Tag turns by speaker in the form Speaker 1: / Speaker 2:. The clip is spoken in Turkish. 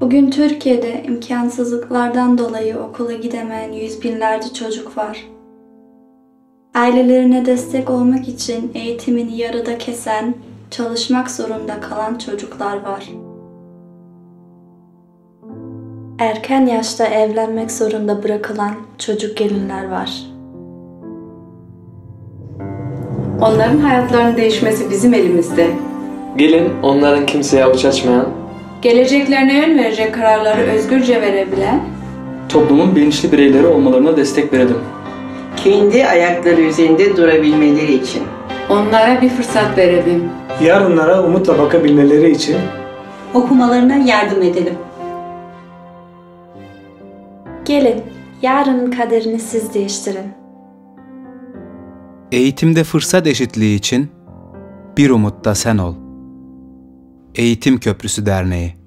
Speaker 1: Bugün Türkiye'de imkansızlıklardan dolayı okula gidemeyen yüz binlerce çocuk var. Ailelerine destek olmak için eğitimini yarıda kesen, çalışmak zorunda kalan çocuklar var. Erken yaşta evlenmek zorunda bırakılan çocuk gelinler var.
Speaker 2: Onların hayatlarının değişmesi bizim elimizde.
Speaker 3: Gelin onların kimseye avuç açmayan,
Speaker 2: Geleceklerine yön verecek kararları özgürce verebilen,
Speaker 4: toplumun bilinçli bireyleri olmalarına destek verelim.
Speaker 5: Kendi ayakları üzerinde durabilmeleri için.
Speaker 2: onlara bir fırsat verelim.
Speaker 6: Yarınlara umutla bakabilmeleri için
Speaker 7: okumalarına yardım edelim.
Speaker 1: Gelin, yarının kaderini siz değiştirin.
Speaker 8: Eğitimde fırsat eşitliği için bir umut da sen ol. Eğitim Köprüsü Derneği